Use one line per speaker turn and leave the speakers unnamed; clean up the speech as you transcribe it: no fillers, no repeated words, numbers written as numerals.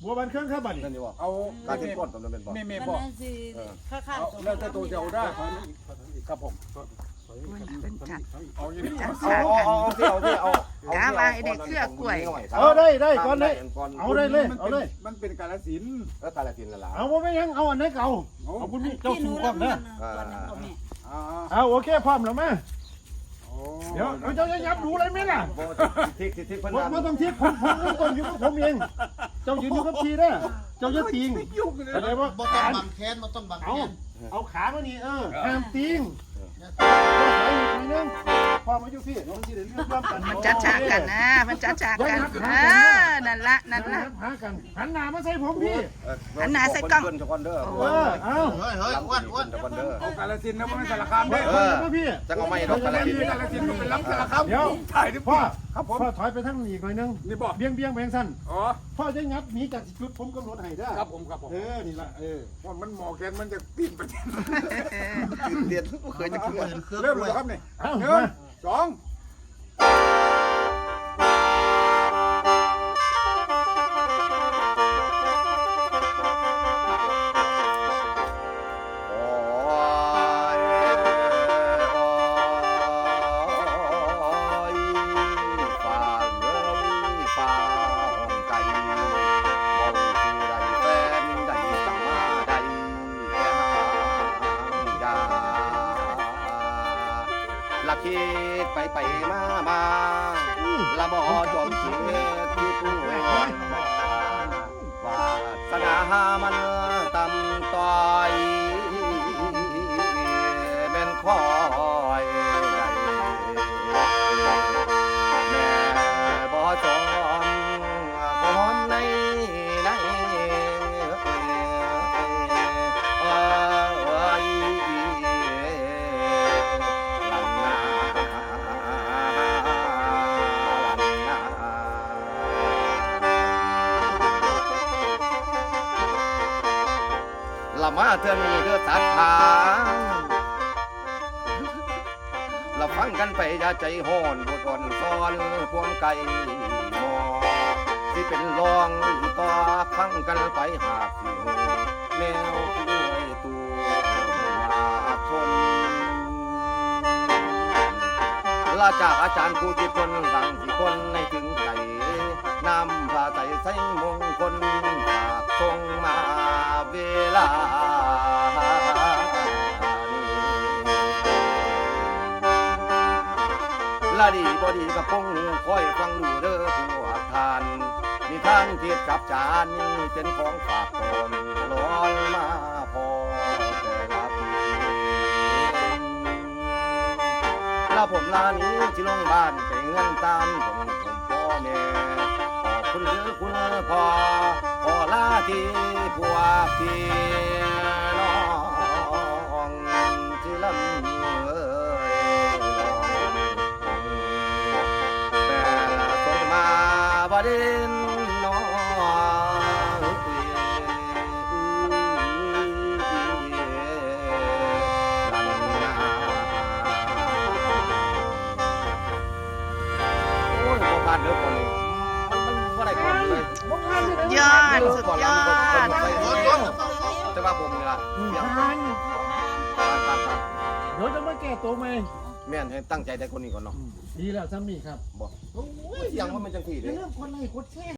บัวบันเครื่องครับบัดนี้
นั่นนี่ว่า
เอา
การเป็นก้นตรงนั้นเป็นบ่
แม่
มัน
บอก
นั่นสิข้าง
เอาแล้วแต่ตัวจะเอาได้ครับผม
เป็นจัด
เอาอย่างนี้
จัด
เอา
สากกัน
เอา
กาว่าไอ้เด็กเครือกล้วย
ได้ก่อนเลยเอาได้เลยเอาเลย
มันเป็นกาลสิน
แล้วกาลสินละล่ะ
เอาบ่ไม่ยังเอาอันไหนเก่าเอาคุณนี่เจ้า
ที่ห
สู
นู
งก
รั
ว่า
บ
นะ
ก่อนนั้นเอาแม่
อ่า
เอาโอเคพร้อมแล้วมั้ยเดี๋ยวเจ้าจะยับดูอะไรไหมล่ะ
ทิกเพิ่น
ว่าต้องทิศผมต้องอยู่กับผมเองเจ้ายืนอยู่กับทีนะเจ้าจะติงอะไรว่า
บ่ต้องบังแค้นบ่ต้องบัง
เอา
แค้น
เอาขามานี่ห้ามติงพอมาอยู่พี่น้องที่เดินเรื่องกัน
มันจัดฉากกันนะมันจัดฉากกันนั่นละนั่นละ
หากันหันหน้ามาใส่ผมพี่
เด้อ
เอา
เฮ้ยอ้วน
ตะวันเด้อ
เอากาลสินนะมันสารคามเด้
พี่
จังเอาไม่ดอกกาลสิน
กาลสินมันเป็นล้ำสารคาม
เดี๋ยว
ถ่ายดิ
พ่อ
ครับผม
พ่อถอยไปทางอีกหน่อยนึง
นี่บอก
เบี้ยงไปทางสั้น
อ๋อ
พ่อจะงับหนีจากจุดผมกำหนดให้ได้
ครับผม
นี่ละ
ว่ามันหมอแกนมันจะปีนไป
ตื่นเต้นบ่เคยจะคิดว่า
เริ่มเลยครับนี่
เอา
หนึ่
มาง
สอง
โอ้ยฟ้าเอ้ยฟ้าห้องไก่บ่ผู้ใดแฟนใดสั่งมาใดแก่หางยาละคิดไปมาละบ่จอมเสียที่ตัววาสนามันต่ำต้อยเป็นคอยใดแม่บ่จอมหอมในเอ้ยลันนาละมาเธอมีเด้อศรัทธาเราฟังกันไปอย่าใจห้อนบทอ่อนซ้อนพวงไก่หมอที่เป็นรองต่อฟังกันไปหากสิหูแนวป่วยตัวมาชนลาจากอาจารย์ผู้ที่คนหลังที่คนในถึงใจนำผ้าใส่ใส่มงคลฝากทรงมาเวลาละดีบอดีกับพงคอยฟังดูเด้อผู้อาทานนิทานเทียบกับจานนี่เป็นของฝากตนร้อนมาพอแต่ละปีลาผมลานี้ที่ลงบ้านไปเงินตามผมพ่อแม่ขอบคุณหรือคุณพ่อลาที่ผัวพี่น้องที่ลำบดินน้องโอ้ยบ่ผ่านเด้อคนนี้มันบ่ได้คนเลย
ยอดสุดยอด
แต่ว่าผมนี่ล่ะเดี๋ยว
ผ่าน
ผ่าน
เดี๋ยวจะมาแก้ตัวไหม
แม่นให้ตั้งใจได้คนนี้ก่อนเนาะ
ดีแล้วซ้ำนี่ครับ
บ่โอ้ยยังว่ามันจังซี่
อย่า
เด้
ลืมคนไลค์กดแชร์